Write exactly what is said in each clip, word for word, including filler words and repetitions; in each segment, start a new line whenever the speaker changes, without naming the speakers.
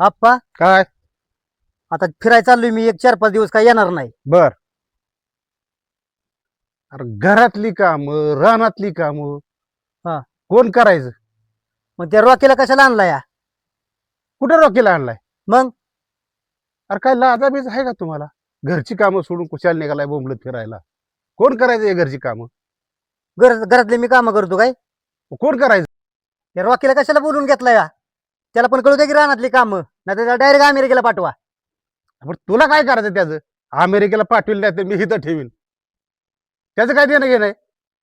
आप्पा
काय?
आता फिरायला चाललोय मी, एक चार पाच दिवस काय येणार नाही.
बर. अरे घरातली काम, रानातली काम
हा.
कोण करायचं?
मग त्या रॉकीला कशाला आणला या?
कुठे रॉकीला आणलाय?
मग
अरे काय लाजा बीज आहे का तुम्हाला? घरची कामं सोडून कुशाला निघालाय बोंबलत फिरायला? कोण करायचं हे घरची कामं?
घर घरातले मी कामं करतो काय?
कोण करायचं?
त्या रॉकीला कशाला बोलून घेतलाय या? त्याला पण कळू दे की रानातली कामं, नाही त्याला डायरेक्ट अमेरिकेला पाठवा.
पण तुला काय करायचं त्याचं? अमेरिकेला पाठविल नाही तर मी इथं ठेवीन. त्याचं काय देणं घेणं आहे?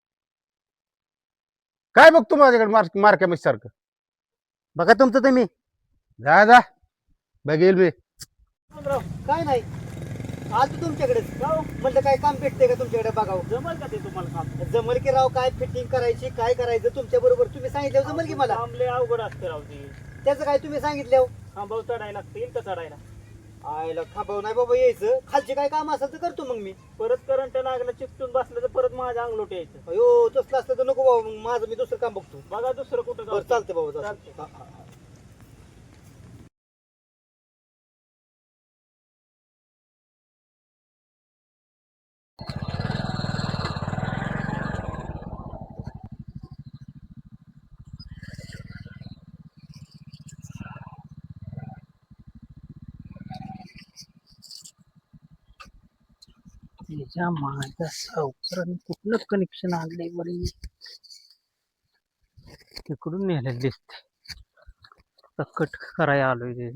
काय बघतो माझ्याकडे मार मारक्या सारखं?
बघा तुमचं तुम्ही.
जा जा बघेल मी.
काय नाही आज तुमच्याकडे म्हटलं काय काम भेटते का तुमच्याकडे बघावं.
जमल का ते तुम्हाला काम?
जमल की राव, काय फिटिंग करायची काय करायचं तुमच्या बरोबर तुम्ही सांगितलं जमल की मला.
आमले अवघड असते राव ते.
त्याचं काय तुम्ही सांगितलं?
खांबाव चढायला लागते तर चढायला.
आयला खांबाव नाही बाबा यायचं, खालचे काय काम असेल तर करतो मग मी.
परत करंट लागलं चिपटून बसलं तर परत माझ्या अंगलोट यायचं.
अयो तसलं असलं तर नको बाबा, मग माझं मी दुसरं काम बघतो.
बघा दुसरं कुठं
बरं
गावचं.
चालतंय बाबा,
चालतंय.
चालतंय. हा, हा, हा.
त्याच्या माझ्या सावकाराने कुठलं कनेक्शन आणलंय बरी, तिकडून नेलेलं दिसते. कट करायला आलोय ते.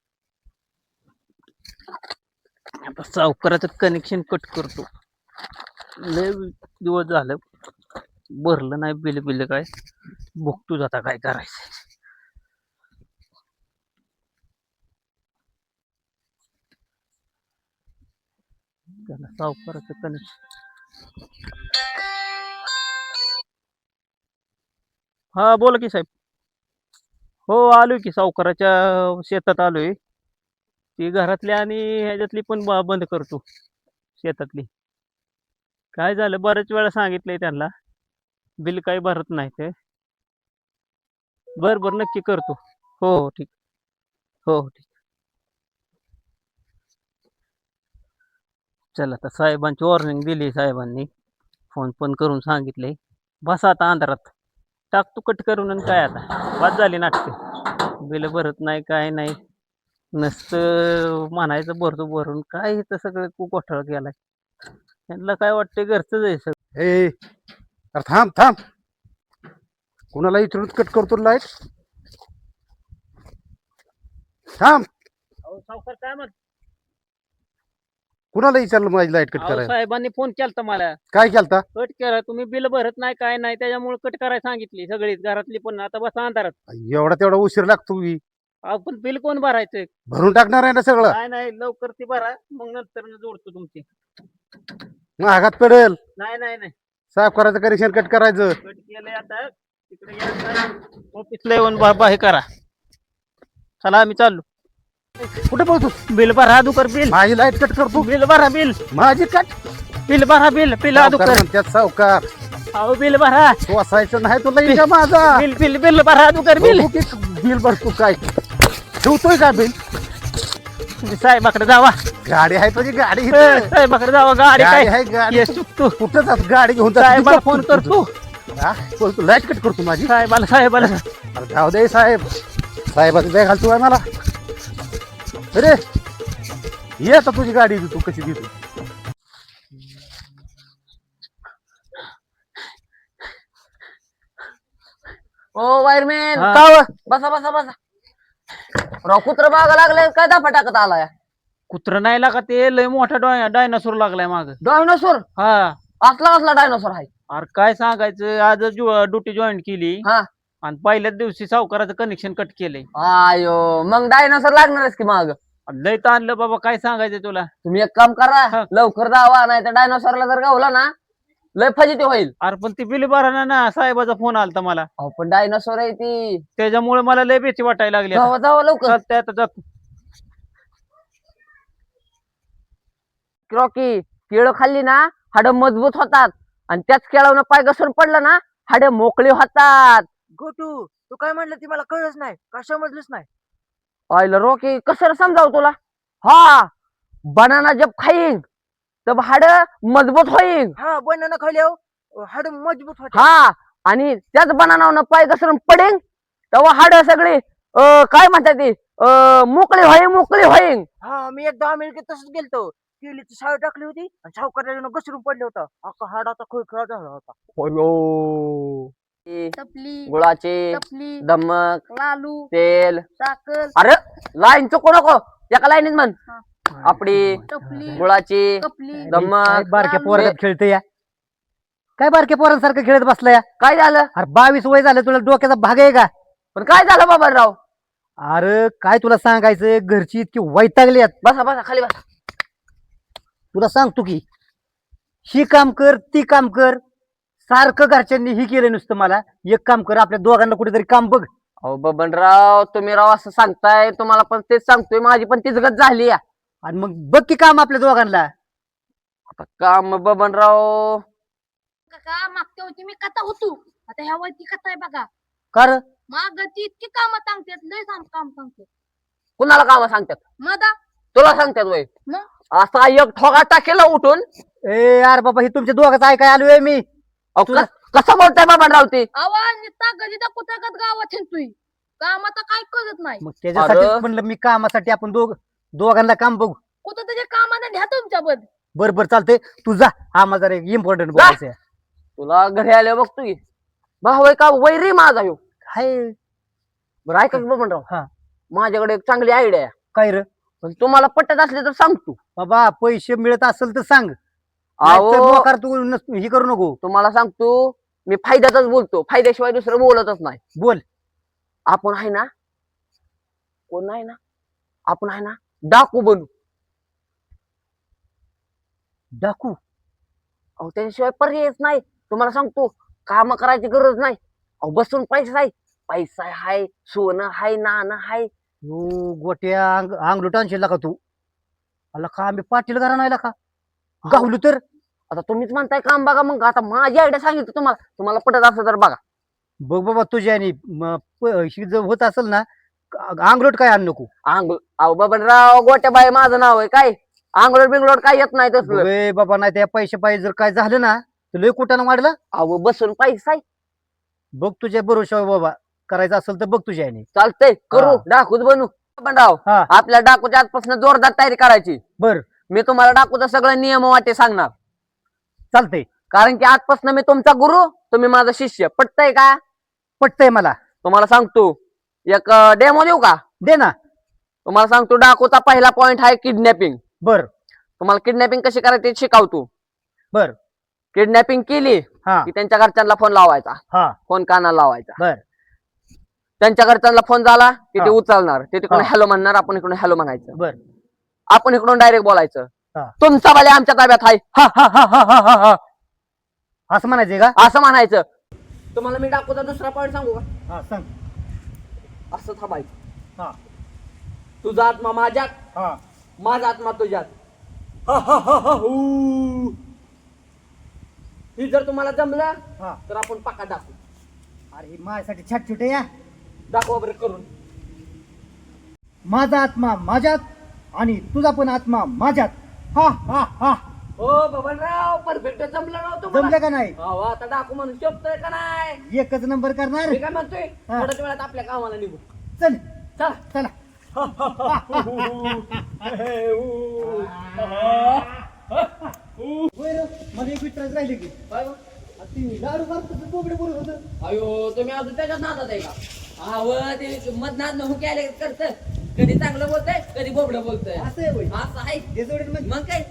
आता सावकाराचं कनेक्शन कट करतो. लय दिवस झालं भरलं नाही बिल बिल काय, बघतो आता काय करायचं. त्याला सावकाराचं कनेक्शन. हा बोला की साहेब. हो आलोय की, सावकाराच्या शेतात आलोय. ती घरातली आणि ह्याच्यातली पण ब- बंद करतो. शेतातली काय झालं, बऱ्याच वेळा सांगितलंय त्यांना, बिल काही भरत नाही ते. बर बर नक्की करतो. हो हो ठीक. हो हो ठीक. चला आता साहेबांची वॉर्निंग दिली, साहेबांनी फोन पण करून सांगितले. बसा आता अंधारात, टाकतो कट करून. आणि काय आता वाद झाली नाटक, बिल भरत नाही काय नाही, नसतं म्हणायचं भरतो भरून. काय इथं सगळं खूप घोटाळा केलाय. त्यांना काय वाटतंय घरचंच आहे सगळं.
ए अरे थांब थांब, कुणाला इथून कट करतो लाईट? थांब.
अहो सावकार काय म्हणत?
कुणाला विचारलं माझी लाईट कट
अहो
करायला?
साहेबांनी फोन केलता मला.
काय केलता?
कट करा, तुम्ही बिल भरत नाही काय नाही, त्याच्यामुळे कट करायला सांगितली सगळीच घरातली पण. आता बसा अंधारात.
एवढा तेवढा उशीर लागतो की?
अहो पण बिल कोण भरायचं?
भरून टाकणार आहे ना सगळं?
नाही नाही, लवकर ती भरा, मग नंतर जोडतो तुमची.
महागात पडेल.
नाही नाही नाही,
सावकाराचं कनेक्शन कट करायचं.
कट केलंय आता. तिकडे या ऑफिसला येऊन बाबा हे करा. चला आम्ही चाललो.
कुठे बोलतो?
बिल भरा दुकर बिल.
माझी लाईट कट करतो?
बिल भरा बिल.
माझी कट?
बिल भरा बिल. बिल
सावकार
दुकर.
म्हणतात सावकार.
अहो बिल भरा.
तो असायचं नाही तुला इजा माझा.
बिल बिल बिल भरा दुकर बिल.
बघू की बिल भरतो काय ठेवतोय का बिल?
तुम्ही साहेबाकडे जावा.
गाडी आहे तुझी गाडी
ए,
इथं.
साहेबाकडे जावा. गाडी
गाडी
काय
आहे गाडी.
ये चुकतो.
कुठं जात गाडी घेऊन जात?
साहेबाला फोन करतो.
लाईट कट करतो माझी.
साहेबाला साहेबाला
अरे जाऊ दे साहेब, साहेबाचं बॅग घालतो आहे मला. अरे ये आता तुझी गाडी तू कशी देतो.
ओ वायरमॅन,
हा.
का व? बसा बसा बसा. राव कुत्र बागा लागले काय दाफा टाकत आलाय?
कुत्र नाही लागा, ते लय मोठा डाय डायनासोर लागलाय माग.
डायनोसॉर?
हा.
असला असला डायनोसॉर आहे?
अरे काय सांगायचं, आज ड्युटी जॉईन केली
हा.
आणि पहिल्याच दिवशी सावकाराचं कनेक्शन कट केलंय.
आयो मग डायनोसॉर लागणारच की मग.
लय ताणलं बाबा, काय सांगायचं तुला.
तुम्ही एक काम करा,
हा.
लवकर जावा, नाही तर डायनोसॉरला जर गावला ना लय फजिती होईल.
अरे पण ती बिल भरणा ना, साहेबाचा फोन आलता मला,
अहो पण डायनोसॉर आहे ती.
त्याच्यामुळे मला लय भीती वाटायला लागली.
जावा जावा लवकर.
चालतंय आता जातो.
रॉकी, केळं खाल्ली ना हाड मजबूत होतात, आणि त्याच केळावनं पाय घसरून पडलं ना हाड मोकळी होतात.
गोटू तू काय म्हणलं ती मला कळलंच नाही, का समजलंच नाही.
आयला रॉकी कसं समजाव तुला? हा, बनाना जब खाईन तब हाड मजबूत होईन.
हा बनाना खाल्यावर हाड मजबूत होते.
हा, आणि त्याच बनानावर पाय घसरून पडेन तेव्हा हाड सगळे अं, काय म्हणतात ते अं, मोकळी होईन मोकळी होईन.
हा मी एकदा अमेरिकेत तसंच गेलतो. केलीची शाळा टाकली होती आणि सावकारानं घसरून पडलं होतं. अख्खा हाडाचा खुळखुळा झाला होता.
टपली
गुळाचे
टपली
धमक
लालू
तेल.
साखर
अरे लाईन चुकू नको, एका लाईनीत म्हण. आपली
टपली
गुळाची
कपली
धमक.
काय बारक्या
लालू.
पोरात खेळते या काय बारक्या पोरांसारखं खेळत बसला या?
काय झालं?
अरे बावीस वय झालं तुला डोक्याचा भाग आहे का?
पण काय झालं बाबाराव?
अरे काय तुला सांगायचं, घरची इतकी वैतागली आहेत.
बसा बसा खाली बसा.
तुला सांगतो की ही काम कर ती काम कर, सारखं घरच्यांनी ही केलं नुसतं. मला एक काम कर, आपल्या दोघांना कुठेतरी काम बघ.
अहो बबनराव तुम्ही राव असं सांगताय, तुम्हाला पण तेच सांगतोय, माझी पण तीच गत झाली या.
आणि मग बघ की काम आपल्या दोघांना.
आता काम बबनराव
काका मागच्या होती मी कथा होतो आता ह्या वरती कथा आहे बघा.
कर
माग ती इतकी काम सांगतात लय सांग काम सांगतात.
कुणाला काम सांगतात?
मदा
तुला सांगतात वय?
मग
असा एक ठोगा टाकेला उठून.
ए यार बाबा, ही तुमच्या दोघांचं ऐकाय आलोय मी.
अहो,
तुला-
कस- कसं बोलताय बबनराव ते?
आवाज निघता गदिता कुठं गावात हिंडतोय काम आता काय करत नाही.
मग त्याच्यासाठी
अरे.
म्हणलं मी कामासाठी आपण दोघ दोघांना काम बघू.
कुठं त्याच्या कामाने घ्या तुमच्या बद.
बर बर चालतंय, तू जा. आम्हाला जरा इम्पॉर्टंट
जा.
बोलायचं आहे.
तुला घरी आले बघतो की भाऊ आहे का वैरी माझा ह्यो.
हाय
बरं ऐका की बबनराव,
हा.
माझ्याकडे एक चांगली आयडिया आहे.
काय रे
पण तुम्हाला पटत असले तर सांगतो.
बाबा, पैसे मिळत असेल तर सांग.
अहो
नाहीतर मोकार तू नस- ही करू नको.
तुम्हाला सांगतो, मी फायद्यातच बोलतो, फायद्याशिवाय दुसरं बोलतच नाही.
बोल.
आपण आहे ना, कोण नाही ना, आपण आहे ना डाकू बनू.
डाकू?
अहो त्याच्याशिवाय पर्यायच नाही. तुम्हाला सांगतो, काम करायची गरज नाही. अहो बसून पैसा आहे, पैसा हाय, सोनं हाय, नाणं हाय.
हो गोट्या अंग अंगलूट आणशील का तू? आला का आम्ही पाटील घरा नाही का गावलो तर?
आता तुम्हीच म्हणताय काम बघा, मग आता माझी आयडिया सांगितलं तुम्हाला, तुम्हाला पटत असं तर बघा.
बघ बाबा तुझ्या आणि जर होत असेल ना, अंगलोट काय आण नको.
आंघोळ अहो बबनराव गोट्याबाई माझं नाव आहे, काय आंघोळ बिंगलोड काय येत नाही तसलं.
ए बाबा, नाही त्या पैसे पाहिजे जर काय झालं ना तर लय कुठानं वाढलं.
अहो बसून पैसा आहे.
बघ तुझ्या भरोशावर बाबा, करायचं असेल तर बघ तुझ्या आणि.
चालतंय, करू
हा.
डाकूच बनू. बबनराव
हा.
आपल्या डाकूच्या आजपासून जोरदार तयारी करायची.
बर
मी तुम्हाला डाकूचं सगळं नियम वाटे सांगणार,
चालतंय.
कारण की आजपासून मी तुमचा गुरु, तुम्ही माझा शिष्य. पटतंय का?
पटतंय मला.
तुम्हाला सांगतो, एक डेमो देऊ का?
दे ना.
तुम्हाला सांगतो, डाकूचा पहिला पॉइंट आहे किडनॅपिंग.
बर
तुम्हाला किडनॅपिंग कशी करायची ते शिकवतो.
बर
किडनॅपिंग केली
हा
की त्यांच्या घरच्यांना फोन लावायचा,
हा
फोन कानाला लावायचा.
बर
त्यांच्या घरच्यांना फोन झाला की ते
हा.
उचलणार, ते तिकडून
हा.
हॅलो म्हणणार, आपण इकडून हॅलो म्हणायचं.
बर
आपण इकडून डायरेक्ट बोलायचं,
हा.
तुमचा बाले आमच्या ताब्यात आहे,
हा हा हा हा हा हा हा असं म्हणायचंय का?
असं म्हणायचं. तुम्हाला मी डाकूचा दुसरा पॉइंट सांगू का?
हा सांग.
असं थांबायचं.
हा
तुझा आत्मा माझ्यात,
हा
माझा आत्मा तुझ्यात.
हा हा हा हा हू.
ही जर तुम्हाला जमलं
हा.
तर आपण पाका दाखवू.
अरे माझ्यासाठी छाट छोटे या.
दाखवा बरं करून.
माझा आत्मा माझ्यात आणि तुझा पण आत्मा माझ्यात. हा हा हा.
हो बबनराव, परफेक्ट जमलं नव्हतं मला.
जमलं का नाही?
अहो, आता डाकू म्हणून शोभतोय का नाही?
एकच नंबर करणार.
मी काय म्हणतोय,
हा.
थोड्याच वेळात आपल्या कामाला निघू.
चल
चला.
चला. मला एक विचारायचं राहिले की ती लाडू मारतो बोबडे बोलत होतं.
अयो तुम्ही अजून त्याच्यात नादात आहे का? अहो ते मधनात न हुक्याले करत, कधी चांगलं बोलतंय, कधी बोबडं बोलतंय.
असं आहे होय?
असं आहे.
हे जोडीन मग
मग काय?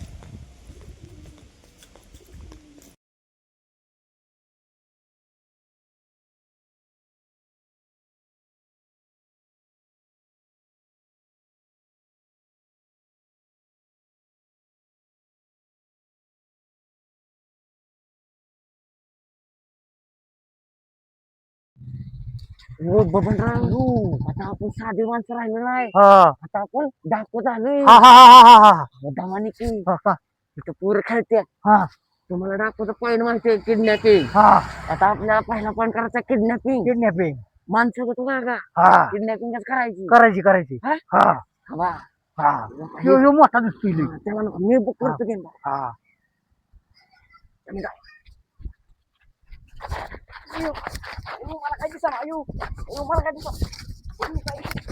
हो बबनराव, आता आपण साधे माणसं राहिलो नाही,
हा
आता आपण डाकू झालोय.
हा हा हा हा हा
दमाने की
हा हा
इथं पोरं खेळते.
हा
तुम्हाला डाकूचा पॉईंट माहितीये, किडनॅपिंग.
हा
आता आपल्याला पहिला पॉईंट करायचा किडनॅपिंग.
किडनॅपिंग.
माणसं तू का
हा
किडनॅपिंग करायची
करायची करायची
हा?
हा
वा.
हा ह्यो ह्यो मोठा दिसतोय लय.
त्याला नको, मी बुक करतो त्यांना.
हा
अयो, अयो, मला काय दिसा अयो अयो, मला काय दिसा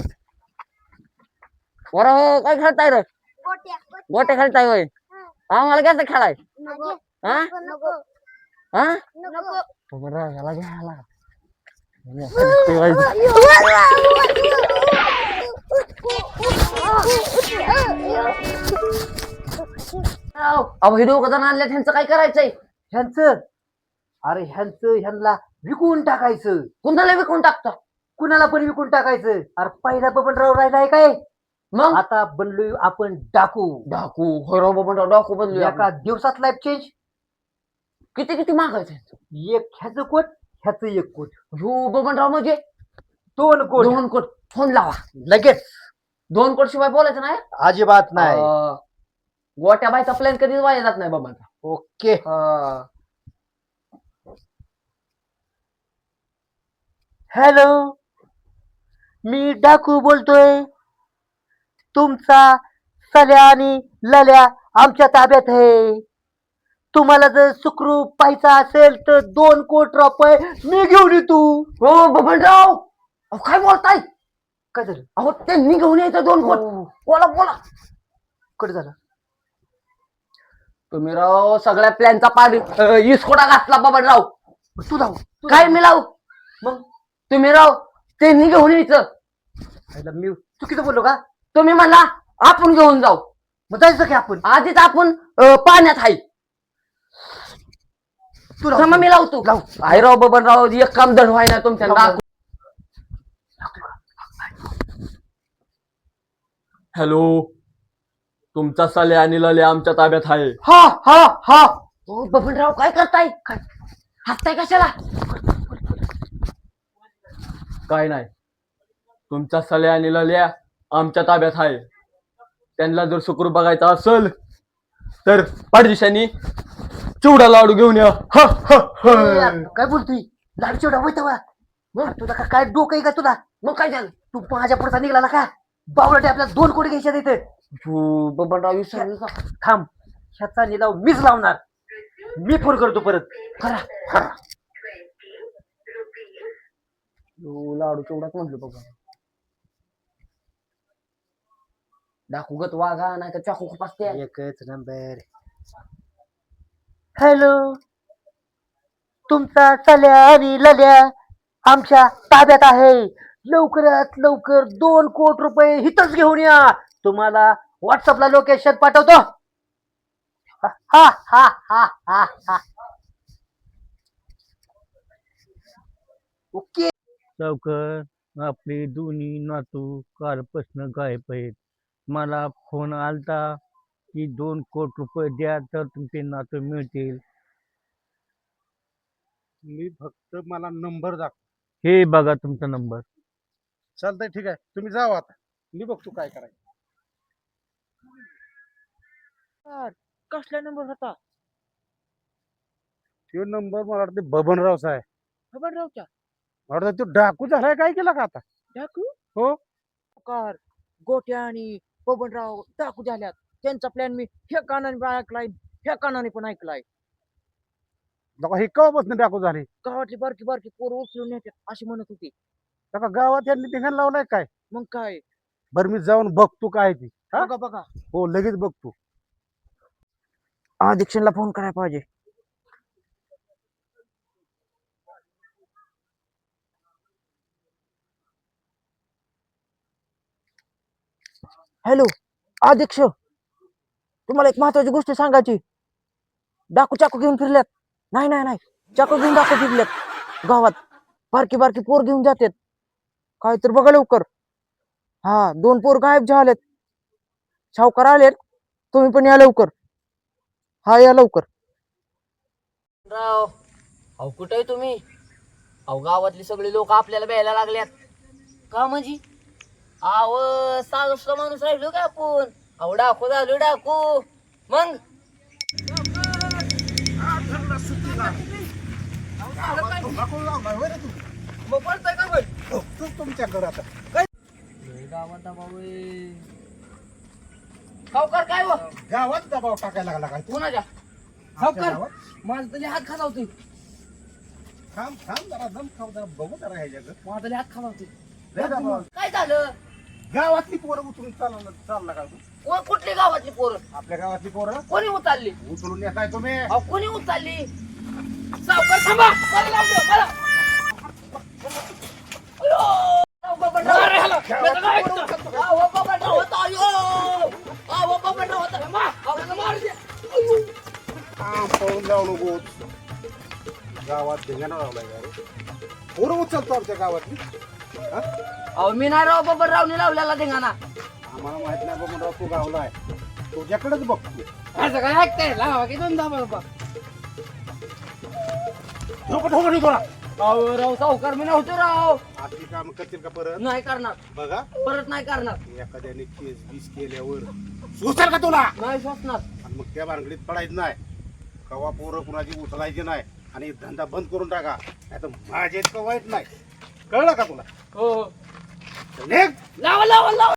वर काय खेळताय रे गोटे खेळताय होय हा मला घ्यायचं खेळाय हा हा बरं ह्याला घ्यायला अहो हे दोघं जण आणले त्यांचं काय करायचंय
ह्यांचं अरे ह्यांचं ह्यांना विकून टाकायचं.
कुणाला विकून टाकता
कुणाला पण विकून टाकायचं. अरे पहिला बबनराव राहिलाय काय
मग
आता बनलोय आपण डाकू.
डाकू होय पण डाकू बनलो
एका दिवसात लाईफ चेंज.
किती किती मागायचं
एक ह्याचं कोट ह्याचं एक कोट
हो बबनराव म्हणजे
दोन कोट
दोन कोट फोन लावा
लगेच.
दोन कोट शिवाय बोलायचं नाही
अजिबात नाही.
अं, गोट्या बायचा प्लॅन कधीच वाया जात नाही बाबांचा
ओके हॅलो मी डाकू बोलतोय. तुमचा सल्या आणि लल्या आमच्या ताब्यात आहे. तुम्हाला जर सुखरूप पाहायचा असेल तर दोन कोटी रुपये मी घेऊन येतो.
हो बबनराव अहो काय बोलताय
काय झालं
अहो त्यांनी घेऊन यायचं दोन कोट बोला बोला
कडे झालं
तुम्ही राव सगळ्या प्लॅनचा पाणी इसकोटा घातला बबनराव
तू जाऊ
काय मी लावू
मग
तुम्ही राव त्यांनी घेऊन यायचं
पहिला मी चुकीचं बोललो का.
तुम्ही म्हणला आपण घेऊन जाऊ
मग जायचं की आपण.
आधीच आपण अं, पाण्यात आहे
तू
मग मी लावतो
लाव.
आहे राव बबनराव एक काम दड व्हाय ना तुमच्या
लाव,
नाक.
हॅलो तुमचा साले आणि लले आमच्या ताब्यात आहे.
हा हा हा
हो बबनराव काय करताय काय हसताय कशाला
काय नाही तुमचा साले आणि लल्या आमच्या ताब्यात आहे. त्यांना जर सुखरूप बघायचा असेल तर पाठदिशांनी चिवडा लाडू घेऊन या. हा, हा, हा.
काय बोलतोय लाडू चिवडा होय तेव्हा. मग तुला का- काय डोकं आहे का तुला.
मग काय झालं
तू माझ्या पुढचा निघाला का बावळटे आपल्याला दोन कोटी घ्यायच्या तिथे.
हो, बबनराव विसरलो का?
थांब ह्याचा निलाव मीच लावणार. मी फोन करतो परत.
करा करा हो, लाडू चिवडाच म्हटलं बघा डाकूगत वागा नाही तर चाकू खुपासते
एकच नंबर. हॅलो तुमचा सल्या आणि लल्या आमच्या ताब्यात आहे. लवकरात लवकर दोन कोटी रुपये हिथच घेऊन या. तुम्हाला व्हॉट्सअपला लोकेशन पाठवतो. हा हा हा हा हा हा ओके.
सावकार आपले दोन्ही नातू कालपासून गायब आहेत. मला फोन आलता की दोन कोटी रुपये द्या तर तुमचे नातू मिळतील.
मी फक्त मला नंबर दाखव.
हे बघा तुमचा नंबर.
चालतंय ठीक आहे तुम्ही जावा आता मी बघतो काय करायचं.
कसला नंबर होता
तो नंबर मला वाटतं बबनरावचा आहे.
बबनरावच्या
मला वाटतं तो डाकू झालाय काय केला का आता.
डाकू
हो
कार गोट्या आणि बबनराव डाकू झाल्यात. त्यांचा प्लॅन मी ह्या कानाने पण ऐकलाय ह्या कानाने पण ऐकलाय.
लका हे केव्हापासून डाकू झाले.
गावातली बारकी बारकी पोरं उचलून नेतात अशी म्हणत होती.
लका गावात यांनी धिंगाण लावलाय काय.
मग काय
बरं मी जाऊन बघतो काय ती. हा?
बघा बघा
हो लगेच बघतो.
अध्यक्षांना फोन करायला पाहिजे. हॅलो अध्यक्ष तुम्हाला एक महत्वाची गोष्ट सांगायची. डाकू चाकू घेऊन फिरल्यात. नाही नाही नाही चाकू घेऊन डाकू फिरल्यात गावात. बारकी बारकी पोर घेऊन जातात. काय तर बघा लवकर. हा दोन पोर गायब झालेत. सावकार आलेत. तुम्ही पण या लवकर. हा या लवकर.
राव अहो कुठे आहे तुम्ही अहो गावातली सगळी लोक आपल्याला भ्यायला लागल्यात का म्हणजे अहो साधा माणूस राहिलो का आपण अहो डाकू झालो डाकू मग मग पळतोय का बघ
हो, तू तुमच्याकडे आता
गावात दबाव आहे. सावकार काय हो
गावात दबाव टाकायला लागला काय तू
कोणाच्या
आमच्या
सावकार
गावात?
माझा तरी हात खालावतोय
थांब थांब जरा दम खाऊ जरा बघू जरा ह्याच्याकडे
माझा तरी हात खालावतोय
लय दबाव.
काय झालं
गावातली पोरं उचलून चालवलं चालला का तू
कोण कुठली गावातली पोरं
आपल्या गावातली पोरं
कोणी उचलली
उचलून येताय तुम्ही
अहो कोणी उचलली सावकार थांबा मला लावून द्या, मला अयो! अहो, बाबांना- मी तर काय ऐकतो. अहो, बाबांना होतं, अयो! अहो, बाबांना होतं. मा, अहो, त्याला मार द्या. अयो!
काम पळून जाऊ नको गावात धिंगाणा लावलाय का रे? पोरं उचलतो आमच्या गावातली हा?
अहो मी नाही राव बाबा रावणी लावलेला धिंगाणा
आम्हाला माहित नाही बाबा तू गावलाय तुझ्याकडेच बघतो
असं काय ऐकताय लावा की दोन दाबा बाबा
नको ठोका नाही तुला
अहो राव सावकार मी नव्हतो राव
आपली काम करतील का परत
नाही करणार
बघा
परत नाही करणार
एखाद्याने केस बीस केल्यावर सुचल का तुला
नाही सोसणार
आणि मग त्या भानगडीत पडायचं नाही कवा पोरं कुणाची उचलायची नाही आणि धंदा बंद करून टाका नाही तर माझ्या इतकं वाईट नाही कळलं का तुला
हो
निघ.
लावा लावा लावा